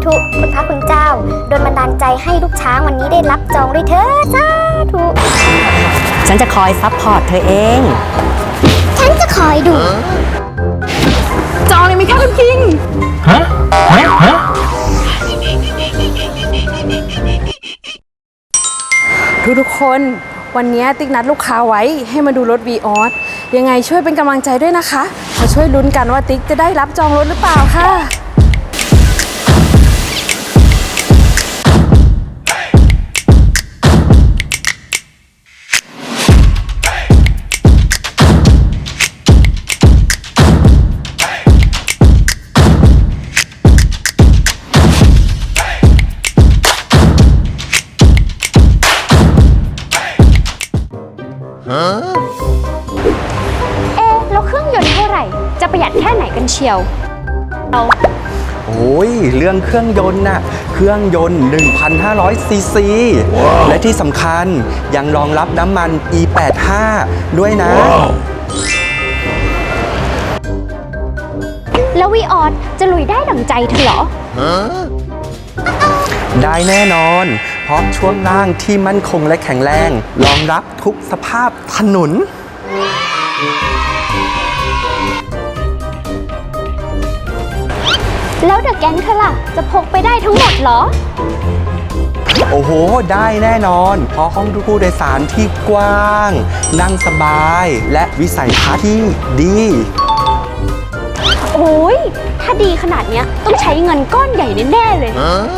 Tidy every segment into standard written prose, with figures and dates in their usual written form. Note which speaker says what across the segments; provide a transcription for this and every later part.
Speaker 1: ธุคุณพระคุณเจ้าโดนบันดาลใจให้ลูกช้างวันนี้ได้รับจองด้วยเถิดสาธุ
Speaker 2: ฉันจะคอยซัพพอร์ตเธอเอง
Speaker 1: ฉันจะคอยดู
Speaker 3: จองเลยไหมคะคุณคิงทุกคนวันนี้ติ๊กนัดลูกค้าไว้ให้มาดูรถ วีออสยังไงช่วยเป็นกำลังใจด้วยนะคะมาช่วยลุ้นกันว่าติ๊กจะได้รับจองรถหรือเปล่าค่ะ
Speaker 1: แล้วเครื่องยนต์เท่าไหร่จะประหยัดแค่ไหนกันเชียว
Speaker 4: โอ้ยเรื่องเครื่องยนต์น่ะเครื่องยนต์ 1,500 ซีซี และที่สำคัญยังรองรับน้ำมัน E85 ด้วยนะ
Speaker 1: แล้ววีออสจะลุยได้ดั่งใจเธอเหรอ
Speaker 4: ได้แน่นอน เพราะช่วงล่างที่มั่นคงและแข็งแรงรองรับทุกสภาพถนน
Speaker 1: แล้วเดอะแก๊งเธอล่ะจะพกไปได้ทั้งหมดเหรอ
Speaker 4: โอ้โห ได้แน่นอน เพราะห้องผู้โดยสารที่กว้าง นั่งสบาย และวิสัยทัศน์ที่ดี
Speaker 1: โอ้ยถ้าดีขนาดเนี้ยต้องใช้เงินก้อนใหญ่แน่ๆเลย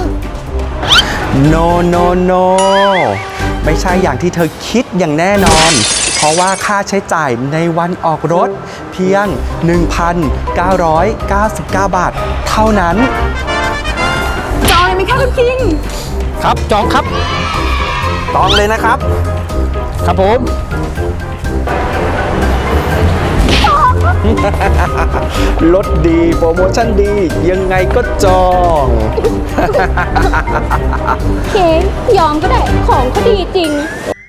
Speaker 4: no no no ไม่ใช่อย่างที่เธอคิดอย่างแน่นอน เพราะว่าค่าใช้จ่ายในวันออกรถเพียง 1,999 บาทเท่านั้น
Speaker 3: จองเลยไหมคะคุณคิง
Speaker 4: ครับจองครับจองเลยนะครับ ครับผม ลดดีโปรโมชั่นดียังไงก็จอง
Speaker 1: เคยอมก็ได้ของเขาดีจริง